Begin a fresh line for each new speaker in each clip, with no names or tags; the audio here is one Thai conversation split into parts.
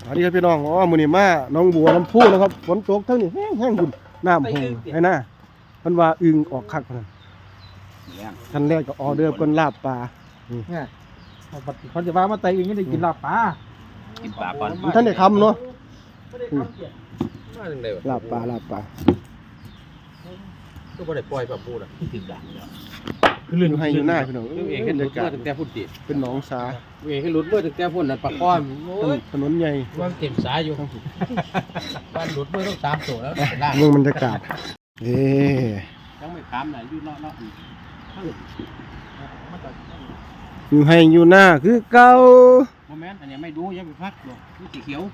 สวัสดีครับพี่น้องอ๋อมื้อนี้มาน้องบัวลำพูนะครับฝนตกทั้งนี้แห้งๆอยู่น้ำโหงให้หน้าเพิ่นว่าอึ่งออกคักพุ่นท่านแรกก็ออเดอร์เพิ่นลาบปลา
เนี่ยเขาจะว่ามาไต่อึ่งไม่ได้กินลาบปลา
กินปลาก่อน
ท่านได้คำเนาะลาบปลา
ก็บ่ได้ปล่อยปลาปูน่ะถึงด่าง
คือลื่นให้อยู่หน้าพี่น้อง
เองขึ้นรถเมื่อตั้งแต่พุ่นติ
เป็นหนองสา
เองขึ้นรถเมื่อตั้งแต่พุ่นนั่นปลาค้อน
ถนนใหญ่
ว่าเต็มสายอยู่บ้านรถเมื่อต้อง3ตัวแล้ว
เมืองบรรยากาศ
ยังไม่ถามไหนอยู่เนาะ
อยู่ให้อยู่หน้าคือเก่า
บ่แม่นอันนี้ไม่ดูยังไปพักดอกนี่สีเขียว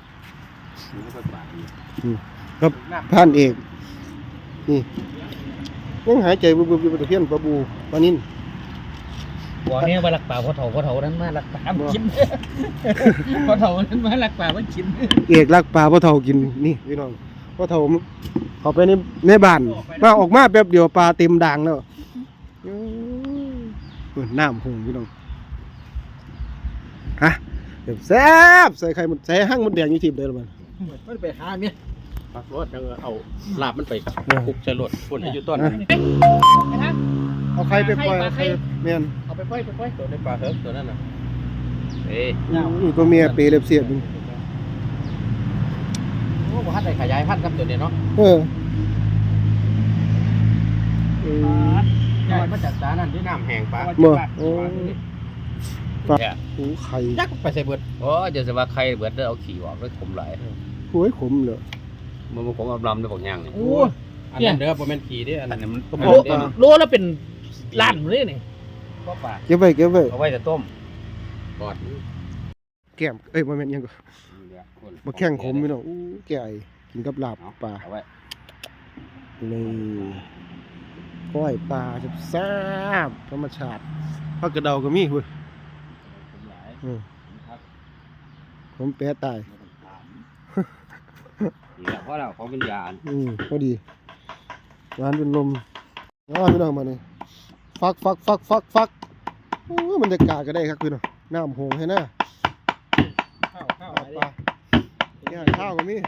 ครับผ่านเอกนี่ยังหายใจบุบๆอยู่ตะเพียนปลาบูปลานิ่น
บ่เนี่ยว่ารักป่าพ่อเฒ่านั้นมารักป่าบ่กินพ่อเฒ่านั้นมารักป่าบ่กิน
เอกรักป่าพ่อเฒ่ากินนี่พี่น้องพ่อเฒ่าเข้าไปในบ้านมาออกมาแป๊บเดียวปลาเต็มด่างแล้วน้ำหงพี่น้องฮะแซ่บใส่ไข่หมดใส่หั่งหมดแดงอยู่ทีมเดิมมัน
ไม่ไปหาเมีย
ปักรถเอาลาบมันไปคุกใส่รถพุ่นอยู่ต้น
เอาไข่ไปปล่อยไข่เมียน
เอาไปปล่อยตัวในปลาเฮิร์ฟตัวนั้นน่ะ
นี่ตัวเมียเปรย์เล็บเสียบ
โอ้บ่ทันได้ขยายพันธุ์ครับตัวนี้เนาะใหญ่มาจากสานั่นที่น้ำแห้งปลา
โอ้ไข่
ยักไปใส่เบิดโอ้จะสิว่าไข่เบิดเอาขี้ออกแล้วขมหลาย
โอ้ยขมเลย
มันขมลำได้บอกย่างนี่โอ้อันนั้นเด้อบ่แม่นขี้เด้ออันนั้นมัน
โลแล้วเป็นล้านเลยนี่
บ่ปลาเก็บไว้
เอาไว้จะต้มกอด
แก้มบ่แม่นยังก็บ่แข้งขมพี่น้องอู้แก่กินกับลาบปลา
เอาไว้
นี่ก้อยปลาแซ่บธรรมชาติผักกระเดาก็มีพุ่นผมแปะตาย
เพราะเราเขาเป็นยา
พอดีร้านเป็นลมพี่น้องมาเนี่ยฟักมันจะกาก็ได้ครับพี่น้องน้ำหงให้หน้า
ข้าว
ข้าวก็มี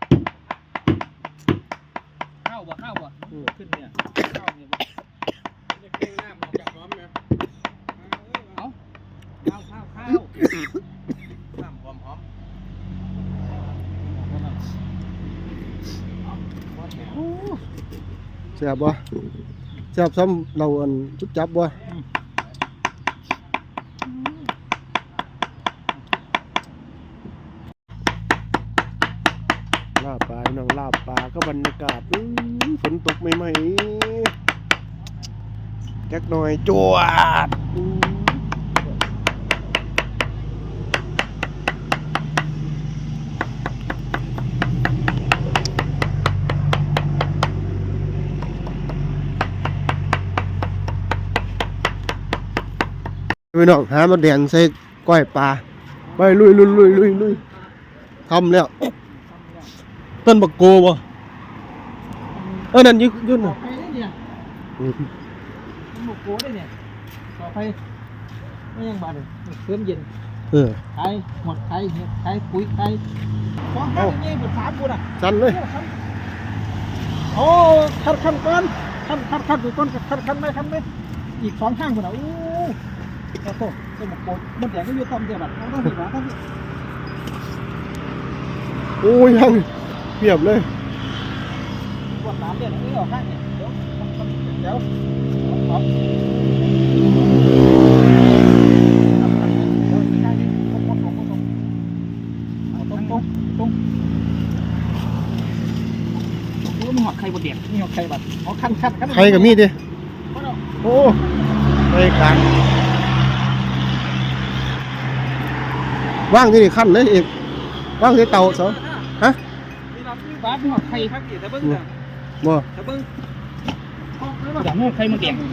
ข้าวบ่ขึ้นเนี่ยข้าวเนี่ยจะเก่งน้ำออกจากน้อมเนี่ยเอาข้าวน้ำหอม
แซ่บบ่แซ่บซ้ำเราอันจุดจับบ่ลาบปลาน้องลาบปลาก็บรรยากาศฝนตกใหม่ๆแก๊กหน่อยจวดพี่น้องหามาแดงใส่ก้อยปลาไปลุยทำแล้วต้นบักโกบ่นั่นยืน
ต่อไปเนี่ยหมกโก้ได้เนี่ยต่อไปไม่ยังบาดเลยเครื่องเย็นไข่หมดไข่เห็ดไข่ปุ๋ยไข่ของข้าวนี่หมด3คนอ่ะ
สั่นเลย
โอ้คันก่อนคันอยู่ต้นคันไหมอีก2ข้างคนอ่ะโอ้โหเป็นหมกโก้มันแดงก็อยู่ต้นเดียวแบบต้องมีหวานต้องมี
โอ้ยยังเปียบเลย
ปวดน้ำเดือดนี่ออกข้างเนี่ยเดี๋ยวมีหอดไข่บดเดียบมีหอดไข่บัดคัน
ไข่กับมีดดิโอ้ไข่กลางว่างที่นี่ขั้นเลยอีกว่างที่เตาสองฮะ
บ้านมีหอดไข่ครับแต่เบิ้ง
บ่
แต่เบิ้งอยากให้ไข่มันเดียบ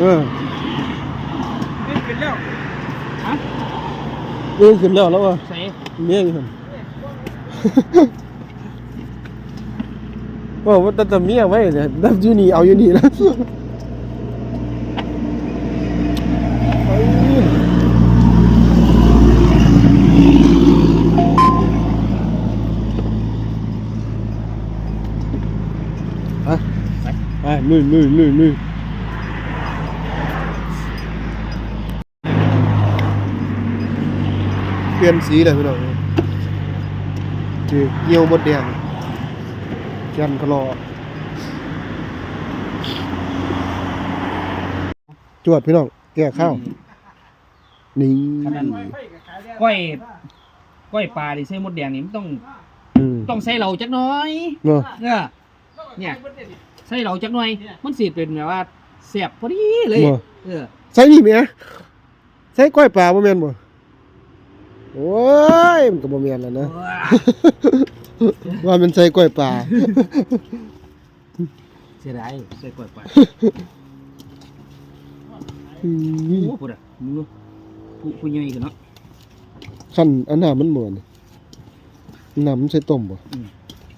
ขึ้นแล้วฮะ
ขึ้นแล้วว่ะ
เส
เมียขึ้นว่าแต่เมียไว้เนี่ยดับยูนี่เอาอยู่นี่แล้วนี่เปลี่ยนสีเลยพี่น้องนี่เกี่ยวหมดแดงแกนพะลอจวดพี่น้องแก้ข้าวนี่
ขนาดก้อยปลาดิใส่มดแดงนี่มันต้อง
อืม
ใส่เหล่าจักหน้อย
เนาะ
เนี่ยใส่เหล่าจักหน่อยมันสิเป็นแบบว่าแซ่บพอดีเลย
บ่
เ
ใส่นี่แหมใส่ก้อยปลาบ่แม่นบ่โอ้ยมันก็บ่แม่นแล้วนะ ว่ามันใส่ก้อยปลา
เสียดายใส่ก้อยปลา
อื
โอ้
ม
พูดอ่ะมึงดูผู้ใหญ่กันเนาะ
คันอันน่ะมันเหมือนน้ำมันใส่ต้มบ่
อืม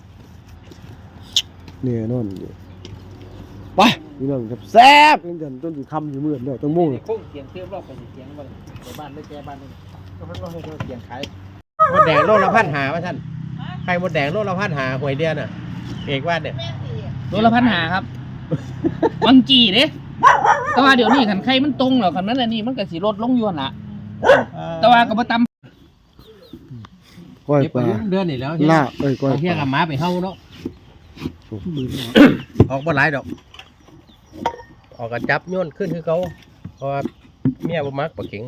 เนี่ยนอนอยู่ไปพี่น้องครับแซ่บกันจนสิค่ำสิมื้อแล้วตั้งโมง
คงเสียงเทียบรอบไปเสียงบ่ไปบ้านเลยแกบ้านนึงก็มันบ่ให้เสียงขาย
มดแดงโลละพันหาว่าท่านไข่มดแดงโลละพันหาหวยเดียวน่ะเอกว่าเนี่ย
โลละ1,500ครับวังจีเด้แต่ว่าเดี๋ยวนี้คันไข่มันตรงแล้วคันนั้นอันนี้มันก็สิลดลงอยู่หั่นล่ะแต่ว่าก็บ่ต่ำ
ก้อย
เก็บ
ป
ไป
ลา
เดือนนี่แล้ว
ลาบก้อย
เอาเพียง
ป
กับ
ลา
หมาไปเฮาเนาะออกบ่หลายดอก ออกกันจับโยนขึ้นคือเขาเพราะว่าเมียบ่มักปลาเข็ง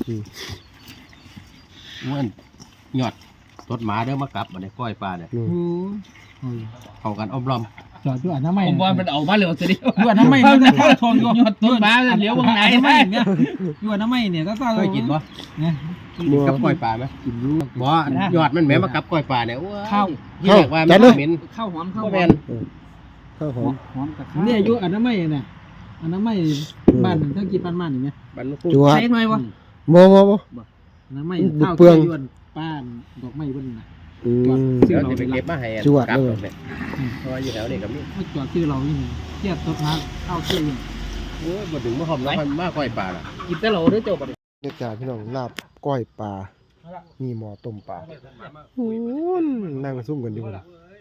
มันหยอดรถหมาเด้อมากลับมาในก้อยปลาเนี่ย
อืม
เข้ากันอมรอม
จอดด้วยน้ำไม่
ผมว่ามันเอามาเร็วซะดิ
ด้วยน้ำไม่มันจะเข้าทองอยู่
ยอดต้นมาเลี้ยววงไหน
น้ำ
ไป
ไม่เนี่ยด้วยน้ำไม่เนี่ยก็ซ่า
เคยกินบ่
เนี่ย
กินกับก้อยปลาไหมกินรู้บ่หยอดมันแหมมากับก้อยปลาเนี่ยโอ้ย
ข้าว
ที่แรกว่ามันเหม็น
ข้าวหอมข้าว
บ่
หอ
แม่
ม
น
ข้าวหอม
หอมกับข้าว
เนี่ยอายุอันน้ำไม่เนี่ยอันน้ำไม่บ้านถ้ากินบ้านอย่างเงี้ย
บันลูก
จัว
ใส่หน่อยวะ
บ่
น้ำไม่
บุก
ข้าว
เปลือง
ยวนป้านดอกไม้บนน่ะ
อืม
เดี๋ยวจะไปเก็บมาให้
จวด
กลับ
เลย
เนี่ยเพราะว่าอยู่แถวนี้ก็มี
ไม่จอดชื่อเราอยู่นี่เทียบต้นน้ำข้าวเที่ยง
โอ้ยบ่ถึงมาหอมแล้วมันมากก้อยปลาล่ะ
กินแต่เราเด้อเจ้าบัด
บรรยากาศพี่น้องลาบก้อยปลามีหม้อต้มปลาโอ้ยนั่งซุ่มกันอยู่พุ่น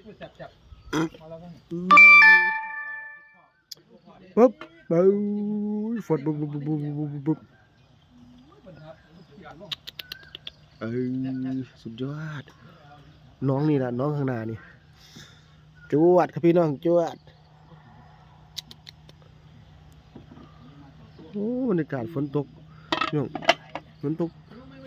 ปึ๊บเบ้าฝดปุ๊บสุดยอดน้องนี่ล่ะน้องข้างหน้านี่จวดครับพี่น้องจวดโอ้บรรยากาศฝนตกพี่น้องฝนตก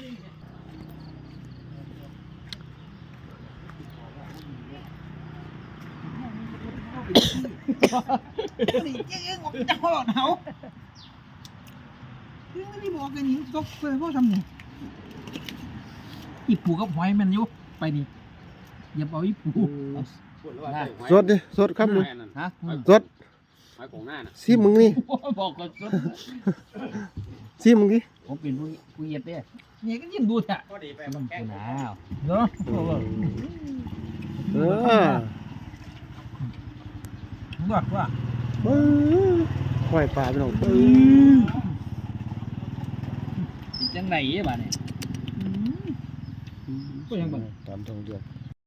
อีปูกับหอยมันอยู่ไปนี่อย่าเอาอีปู
สดดิสดครับมึง
ฮะ
สดซิมึงนี่
บอกก่อน
ซิมึงดิ
ผมเป็นผู้เย็ดเด้
เนี่ยก็ยิ่งดูแท้
ผู้หนาว
เนาะ
เออ
บอกว่า
ก้อยปลาพี่น้อง
จังไหนบ้าเนี่ย
ก็ยังบ่
ตามทองเดือน